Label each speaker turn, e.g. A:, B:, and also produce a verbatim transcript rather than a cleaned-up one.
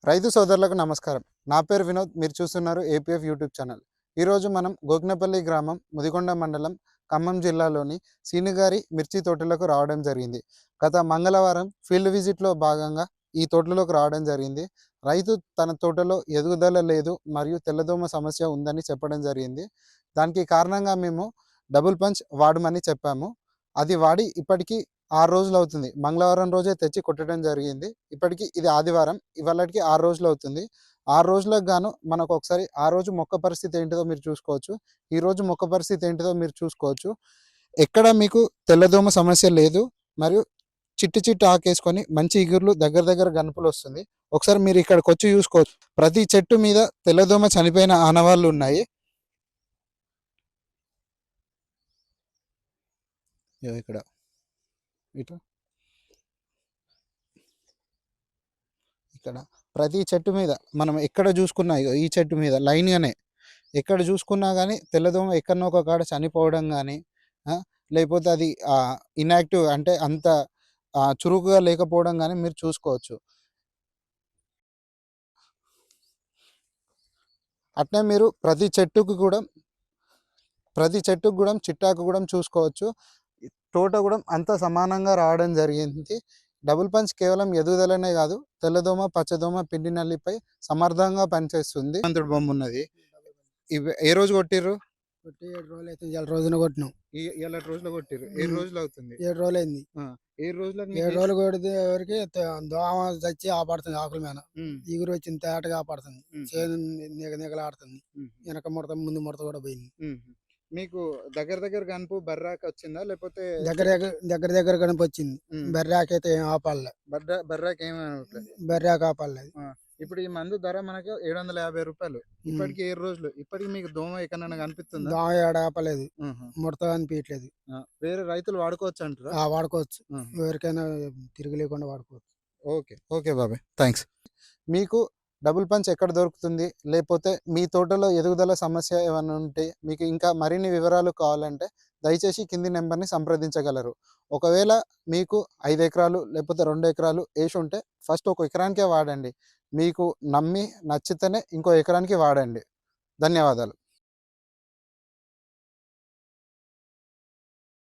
A: రైతు సోదరులకు నమస్కారం. నా పేరు వినోద్. మీరు చూస్తున్నారు ఏపీఎఫ్ యూట్యూబ్ ఛానల్. ఈరోజు మనం గోగ్నపల్లి గ్రామం, ముదిగొండ మండలం, ఖమ్మం జిల్లాలోని సీనుగారి మిర్చి తోటలకు రావడం జరిగింది. గత మంగళవారం ఫీల్డ్ విజిట్లో భాగంగా ఈ తోటలోకి రావడం జరిగింది. రైతు తన తోటలో ఎదుగుదల లేదు మరియు తెల్లదోమ సమస్య ఉందని చెప్పడం జరిగింది. దానికి కారణంగా మేము డబుల్ పంచ్ వాడమని చెప్పాము. అది వాడి ఇప్పటికీ ఆరు రోజులు అవుతుంది. మంగళవారం రోజే తెచ్చి కొట్టడం జరిగింది. ఇప్పటికి ఇది ఆదివారం. ఇవాళటికి ఆరు రోజులు అవుతుంది. ఆరు రోజులకు గాను మనకు ఒకసారి ఆ రోజు మొక్క పరిస్థితి ఏంటిదో మీరు చూసుకోవచ్చు. ఈరోజు మొక్క పరిస్థితి ఏంటిదో మీరు చూసుకోవచ్చు. ఎక్కడ మీకు తెల్లదోమ సమస్య లేదు మరియు చిట్టి చిట్టి ఆకేసుకొని మంచి ఇగుర్లు దగ్గర దగ్గర గనుపులు వస్తుంది. ఒకసారి మీరు ఇక్కడికి వచ్చి చూసుకోవచ్చు. ప్రతి చెట్టు మీద తెల్లదోమ చనిపోయిన ఆనవాళ్ళు ఉన్నాయి. ఇగో ఇక్కడ ఇటు ఇక్కడ ప్రతి చెట్టు మీద మనం ఎక్కడ చూసుకున్నా ఇగో ఈ చెట్టు మీద లైన్‌గానే ఎక్కడ చూసుకున్నా గానీ తెల్లదోమ ఎక్కడనో ఒక కాడ చనిపోవడం గానీ, ఆహ్, లేకపోతే అది ఆహ్, ఇన్‌యాక్టివ్ అంటే అంత ఆహ్, చురుకుగా లేకపోవడం గానీ మీరు చూసుకోవచ్చు. అట్నే మీరు ప్రతి చెట్టుకి కూడా ప్రతి చెట్టుకి గూడా చిట్టాకు గూడా చూసుకోవచ్చు. ఈ తోట గూడా అంతా సమానంగా రావడం జరిగింది. డబుల్ పంచ్ కేవలం ఎదుగుదలనే గాదు, తెల్లదోమ, పచ్చదోమ, పిండి నల్లిపై సమర్థంగా పనిచేస్తుంది. హనుమంతుడి బొమ్మున్నది. ఇవి ఏ రోజు కొట్టిర్రు?
B: కొట్టి ఏడు రోజులైతుంది. ఇయాల రోజున కొట్టినాం.
A: ఈ ఇయాలటి రోజులో కొట్టిర్రు. ఏడు
B: హ్మ్.
A: రోజులవుతుంది.
B: ఏడు రోజులైంది.
A: ఆ! ఏడు రోజులకు
B: ఏడు
A: మీకు
B: రోజులు కొడితే వరకి త దోమ చచ్చి ఆపడుతుంది ఆకుల మీద.
A: హ్మ్.
B: ఇగురు వచ్చింది తేటగా ఆపడుతుంది.
A: హుహు.
B: చేను నిగ నిగలాడుతుంది.
A: హుహు.
B: వెనక ముడత, ముందు ముడత కూడా పోయింది.
A: హుహు. మీకు దగ్గర దగ్గర గనుపు బర్రాకొచ్చిందా? లేపోతే
B: దగ్గర దగ్గర దగ్గర దగ్గర కనిపొచ్చింది.
A: హ్మ్.
B: బర్రాకైతే ఏం ఆపాలే.
A: బర్రా బర్రాకేమి అనట్లే.
B: బర్రాకు ఆపాలే అది.
A: ఆ! ఇప్పుడు ఈ మందు ధర మనకు రూ. ఏడు వందల యాభై.
B: హ్మ్.
A: ఇప్పటికి ఏడు రోజులు. ఇప్పటికి మీకు దోమ ఎక్కడైనా కనిపిస్తుందా?
B: దోమ ఏడ ఆపలేదు.
A: హుహు.
B: ముడత అనిపియట్లేదు.
A: ఆ! వేరే రైతులు వాడుకోవచ్చంటారా?
B: ఆ! వాడుకోవచ్చు.
A: హుహు.
B: ఎవరికైనా తిరిగి లేకుండా వాడుకోవచ్చు.
A: ఓకే. ఓకే బాబాయ్. థాంక్స్. మీకు డబుల్ పంచ్ ఎక్కడ దొరుకుతుంది? లేపోతే మీ తోటలో ఎదుగుదల సమస్య ఏమన్నా ఉంటే, మీకు ఇంకా మరిన్ని వివరాలు కావాలంటే దయచేసి కింది నంబర్‌ని సంప్రదించగలరు. ఒకవేళ మీకు ఐదు ఎకరాలు లేకపోతే రెండు ఎకరాలు ఏసుంటే ఫస్ట్ ఒక ఎకరానికే వాడండి. మీకు నమ్మి నచ్చితేనే ఇంకో ఎకరానికి వాడండి. ధన్యవాదాలు.